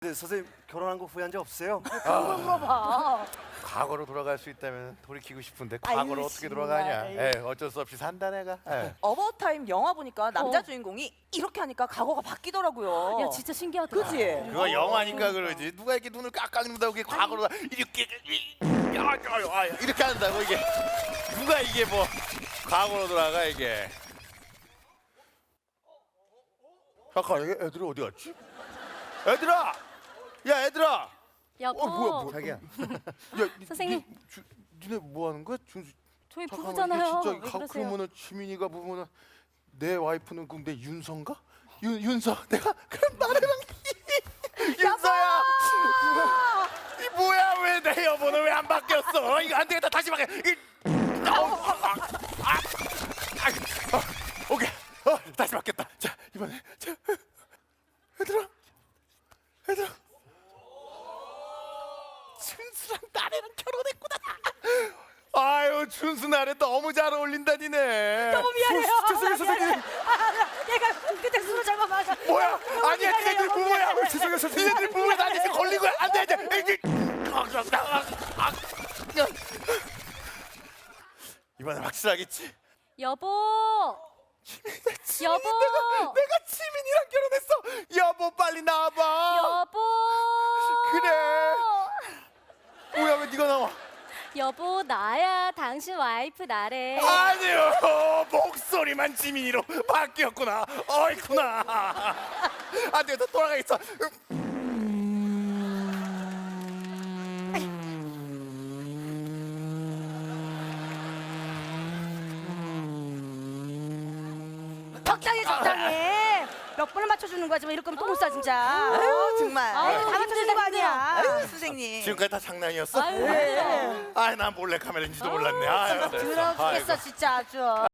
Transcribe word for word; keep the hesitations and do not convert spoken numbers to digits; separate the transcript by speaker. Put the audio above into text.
Speaker 1: 근데 선생님 결혼한 거 후회한 적 없으세요?
Speaker 2: 그걸 물어봐.
Speaker 3: 과거로 돌아갈 수 있다면 돌이키고 싶은데
Speaker 2: 아유,
Speaker 3: 과거로 어떻게
Speaker 2: 정말.
Speaker 3: 돌아가냐. 에 어쩔 수 없이 산다 내가. 에.
Speaker 4: 어바웃타임 영화 보니까 남자
Speaker 2: 어.
Speaker 4: 주인공이 이렇게 하니까 과거가 바뀌더라고요.
Speaker 2: 야 진짜 신기하다.
Speaker 4: 그치?
Speaker 3: 그거 영화니까 그러지. 누가 이렇게 눈을 깍깍 눈다고 이게 과거로 이렇게 야, 야, 야, 이렇게 한다고 이게 누가 이게 뭐 과거로 돌아가 이게. 잠깐 이게 애들이 어디 갔지? 애들아, 야 애들아.
Speaker 2: 여보.
Speaker 3: 어 뭐야 뭐 자기야. 야 니,
Speaker 2: 선생님.
Speaker 3: 니, 주, 니네 뭐 하는 거야? 준수.
Speaker 2: 저희
Speaker 3: 잠깐만,
Speaker 2: 부부잖아요.
Speaker 3: 이게 진짜
Speaker 2: 왜
Speaker 3: 가,
Speaker 2: 그러세요?
Speaker 3: 그러면은 지민이가 보면은 내 와이프는 그럼 내 윤서인가? 윤 윤서. 내가 그럼 나래랑 윤서야. 이 뭐야 왜 내 여보는 왜 안 바뀌었어? 이거 안 되겠다 다시 바뀌어. 이, 아, 아, 아, 아, 아, 오케이. 어, 다시 바뀌었다. 자 이번에 자 얘들아 얘들아. 준수랑 나래랑 결혼했구나. 아유 준수 나래 너무 잘 어울린다 니네.
Speaker 2: 너무 미안해요.
Speaker 3: 죄송해요 선생님.
Speaker 2: 아, 내가 그때 술을 잘못 마셔.
Speaker 3: 뭐야?
Speaker 2: 너무
Speaker 3: 아니야
Speaker 2: 미안해요.
Speaker 3: 니네들 부모야.
Speaker 2: 너무
Speaker 3: 죄송해요 선생님. 니네들 부모야. 나한테 지금 걸린 거야. 안 돼, 안 돼. 이번엔 확실하겠지.
Speaker 2: 여보.
Speaker 3: 지민이다,
Speaker 2: 여보.
Speaker 3: 내가, 내가 지민이랑 결혼했어. 여보 빨리 나와봐.
Speaker 2: 여보.
Speaker 3: 그래. 뭐야 왜 네가 나와?
Speaker 2: 여보 나야. 당신 와이프 나래.
Speaker 3: 아니요 목소리만 지민이로 바뀌었구나. 어이구나. 안 돼, 나 돌아가겠어.
Speaker 2: 적당히 적당히. 몇 번을 맞춰주는 거야 지금 이럴 거면 또 못 사 진짜.
Speaker 4: 아유 정말.
Speaker 2: 아유,
Speaker 4: 다 맞춰주는 거 아니야.
Speaker 2: 힘들어.
Speaker 4: 아유 선생님.
Speaker 3: 지금까지 다 장난이었어?
Speaker 2: 아유, 힘들어.
Speaker 3: 아이 난 몰래 카메라인지도 몰랐네. 아유,
Speaker 2: 들어 죽겠어 진짜 아주.